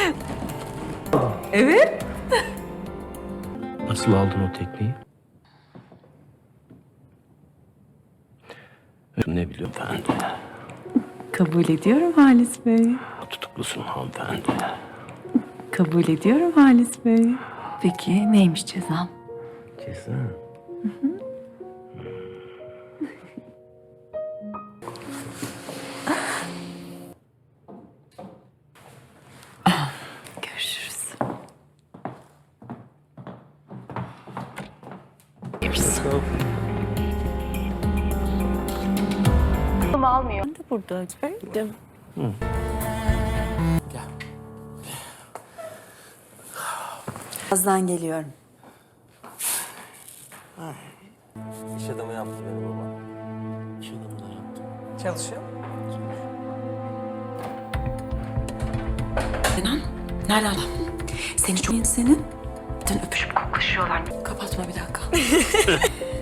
Evet. Nasıl aldın o tekneyi? Ne biliyorum efendi. Kabul ediyorum Halis Bey. Tutuklusun hanımefendi. Kabul ediyorum Halis Bey. Peki neymiş cezam? Ceza. Görüşürüz. Almıyor. Ben de buradaydım. Birazdan geliyorum. İş adamı yaptı beni baba. İş adamı da yaptı. Çalışıyor. Kenan, nerede adam? Seni çok senin. Dün öpüşüp koklaşıyorlar. Kapatma bir dakika.